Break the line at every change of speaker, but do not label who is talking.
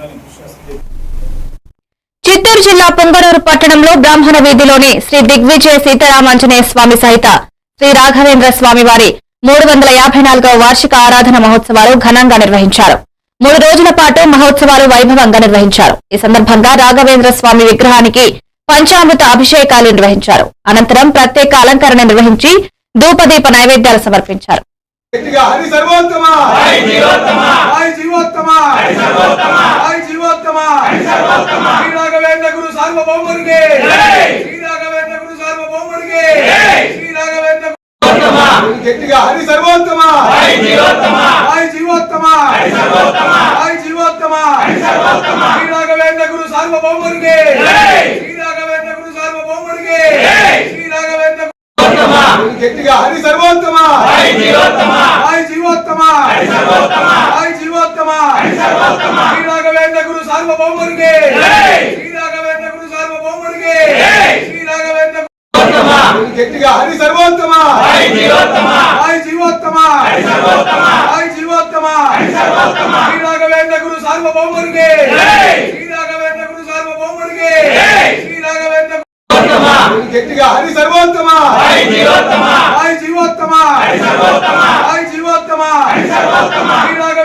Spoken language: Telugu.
చిత్తూరు జిల్లా పొంగనూరు పట్టణంలో బ్రాహ్మణ వీధిలోని శ్రీ దిగ్విజయ సీతారామాంజనేయ స్వామి సహిత శ్రీ రాఘవేంద్ర స్వామి వారి 354వ వార్షిక ఆరాధన మహోత్సవాలు ఘనంగా నిర్వహించారు. 3 రోజుల పాటు మహోత్సవాలు వైభవంగా నిర్వహించారు. ఈ సందర్భంగా రాఘవేంద్ర స్వామి విగ్రహానికి పంచామృత అభిషేకాలు నిర్వహించారు. అనంతరం ప్రత్యేక అలంకరణ నిర్వహించి ధూపదీప నైవేద్యాలు సమర్పించారు.
హరి